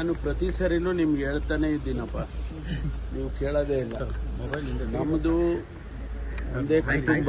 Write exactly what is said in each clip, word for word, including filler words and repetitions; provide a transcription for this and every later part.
ನಾನು ಪ್ರತಿ ಸರಿನೂ ನಿಮ್ಗೆ ಹೇಳ್ತಾನೆ ಇದ್ದೀನಪ್ಪ, ನೀವು ಕೇಳೋದೇ ಇಲ್ಲ. ನಮ್ಮದು ಒಂದೇ ಕುಟುಂಬ,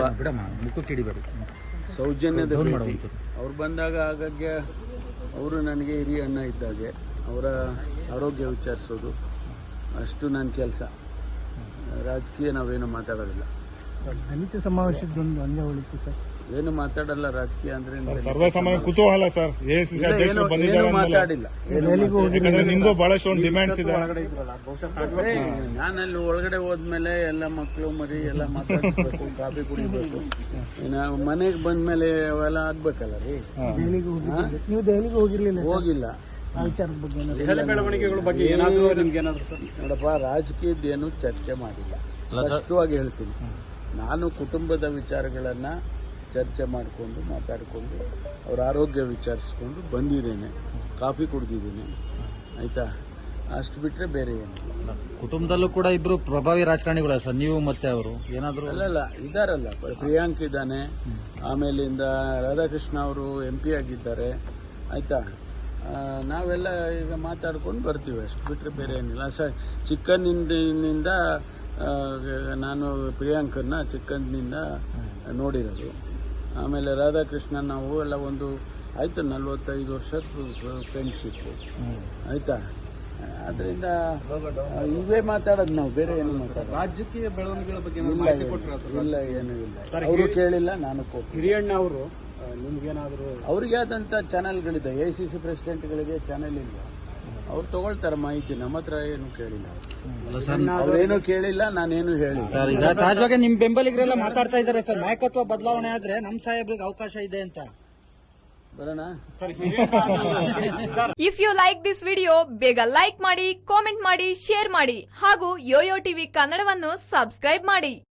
ಸೌಜನ್ಯದ ಭೇಟಿ. ಅವ್ರು ಬಂದಾಗ ಆಗಾಗ್ಗೆ ಅವರು ನನಗೆ ಹಿರಿಯ ಅಣ್ಣ ಇದ್ದಾಗೆ ಅವರ ಆರೋಗ್ಯ ವಿಚಾರಿಸೋದು ಅಷ್ಟು ನನ್ನ ಕೆಲಸ. ರಾಜಕೀಯ ನಾವೇನು ಮಾತಾಡೋದಿಲ್ಲ. ದಲಿತ ಸಮಾವೇಶದೊಂದು ಅಂಗ ಉಳಿತು ಸರ್, ಏನು ಮಾತಾಡಲ್ಲ ರಾಜಕೀಯ ಅಂದ್ರೆ. ಸರ್ವಸಾಮಾನ್ಯ ಕುತೂಹಲ ಸರ್, ಎಐಸಿಸಿ ಅಧ್ಯಕ್ಷರು ಬಂದಿದ್ದಾರೆ, ಮಾತಾಡಿಲ್ಲ. ನಿಮ್ದು ಬಹಳಷ್ಟು ಒಂದು ಡಿಮ್ಯಾಂಡ್ಸ್ ಇದೆ. ನಾನಲ್ಲಿ ಒಳಗಡೆ ಹೋದ್ಮೇಲೆ ಎಲ್ಲ ಮಕ್ಕಳು ಮರಿ ಎಲ್ಲ ಮಾತಾಡಿಸ್ಬೇಕು, ಕಾಫಿ ಕುಡಿಬೇಕು. ನಾವು ಮನೆಗೆ ಬಂದ್ಮೇಲೆ ಅವೆಲ್ಲ ಆಗ್ಬೇಕಲ್ಲ ರೀ. ನೀವು ದೆಹಲಿಗೆ ಹೋಗಿರ್ಲಿಲ್ಲ? ಹೋಗಿಲ್ಲ. ಆ ವಿಚಾರದ ಬಗ್ಗೆ ಬೆಳವಣಿಗೆಗಳ ಬಗ್ಗೆ ಏನಾದರೂ ನಿಮ್ಗೆ ಏನಾದ್ರು ಸರ್? ನೋಡಪ್ಪ, ರಾಜಕೀಯದ್ದೇನು ಚರ್ಚೆ ಮಾಡಿಲ್ಲ, ಸ್ಪಷ್ಟವಾಗಿ ಹೇಳ್ತೀನಿ. ನಾನು ಕುಟುಂಬದ ವಿಚಾರಗಳನ್ನ ಚರ್ಚೆ ಮಾಡಿಕೊಂಡು ಮಾತಾಡಿಕೊಂಡು ಅವ್ರ ಆರೋಗ್ಯ ವಿಚಾರಿಸ್ಕೊಂಡು ಬಂದಿದ್ದೇನೆ, ಕಾಫಿ ಕುಡ್ದಿದ್ದೀನಿ, ಆಯ್ತಾ? ಅಷ್ಟು ಬಿಟ್ರೆ ಬೇರೆ ಏನಿಲ್ಲ. ಕುಟುಂಬದಲ್ಲೂ ಕೂಡ ಇಬ್ರು ಪ್ರಭಾವಿ ರಾಜಕಾರಣಿಗಳ ಸರ್, ನೀವು ಮತ್ತೆ ಅವರು ಏನಾದ್ರು? ಅಲ್ಲಲ್ಲ, ಇದಾರಲ್ಲ, ಪ್ರಿಯಾಂಕ್ ಇದ್ದಾನೆ, ಆಮೇಲಿಂದ ರಾಧಾಕೃಷ್ಣ ಅವರು ಎಂ ಪಿ ಆಗಿದ್ದಾರೆ, ಆಯ್ತಾ? ನಾವೆಲ್ಲ ಈಗ ಮಾತಾಡ್ಕೊಂಡು ಬರ್ತೀವಿ, ಅಷ್ಟು ಬಿಟ್ಟರೆ ಬೇರೆ ಏನಿಲ್ಲ. ಸ ಚಿಕ್ಕಂದಿನಿಂದ ನಾನು ಪ್ರಿಯಾಂಕನ್ನ ಚಿಕ್ಕಂದಿನಿಂದ ನೋಡಿರೋದು. ಆಮೇಲೆ ರಾಧಾಕೃಷ್ಣ ನಾವು ಎಲ್ಲ ಒಂದು ಆಯಿತು ನಲ್ವತ್ತೈದು ವರ್ಷದ ಫ್ರೆಂಡ್ಶಿಪ್ಪು, ಆಯಿತಾ? ಅದರಿಂದ ಇವೇ ಮಾತಾಡೋದು ನಾವು, ಬೇರೆ ಏನು ಮಾತಾಡೋದು. ರಾಜಕೀಯ ಬೆಳವಣಿಗೆಗಳ ಬಗ್ಗೆ ಇಲ್ಲ, ಏನೂ ಇಲ್ಲ. ಅವರು ಕೇಳಿಲ್ಲ, ನಾನು ಕೊಟ್ಟು. ಹಿರಿಯಣ್ಣ ಅವರು ನಿಮ್ಗೇನಾದ್ರು ಅವ್ರಿಗೆ ಆದಂಥ ಚಾನೆಲ್ಗಳಿದೆ, ಎ ಸಿ ಸಿ ಪ್ರೆಸಿಡೆಂಟ್ಗಳಿಗೆ ಚಾನೆಲ್ ಇಲ್ಲ, ಅವ್ರು ತಗೊಳ್ತಾರೆ ಮಾಹಿತಿ. ನಮ್ಮ ಹತ್ರ ಏನು ಕೇಳಿಲ್ಲ, ಅವ್ರೇನು ಕೇಳಿಲ್ಲ, ನಾನೇನು ಹೇಳಿಲ್ಲ ಸರ್. ಈಗ ಸಹಜವಾಗಿ ನಿಮ್ ಬೆಂಬಲಿಗರೆಲ್ಲ ಮಾತಾಡ್ತಾ ಇದ್ದಾರೆ ಸರ್, ನಾಯಕತ್ವ ಬದಲಾವಣೆ ಆದ್ರೆ ನಮ್ ಸಾಹೇಬ್ರಿಗೆ ಅವಕಾಶ ಇದೆ ಅಂತ. ಬರೋಣ. If you like this video ಬೇಗ ಲೈಕ್ ಮಾಡಿ, ಕಾಮೆಂಟ್ ಮಾಡಿ, ಶೇರ್ ಮಾಡಿ ಹಾಗೂ ಯೋಯೋ ಟಿವಿ ಕನ್ನಡವನ್ನು ಸಬ್ಸ್ಕ್ರೈಬ್ ಮಾಡಿ.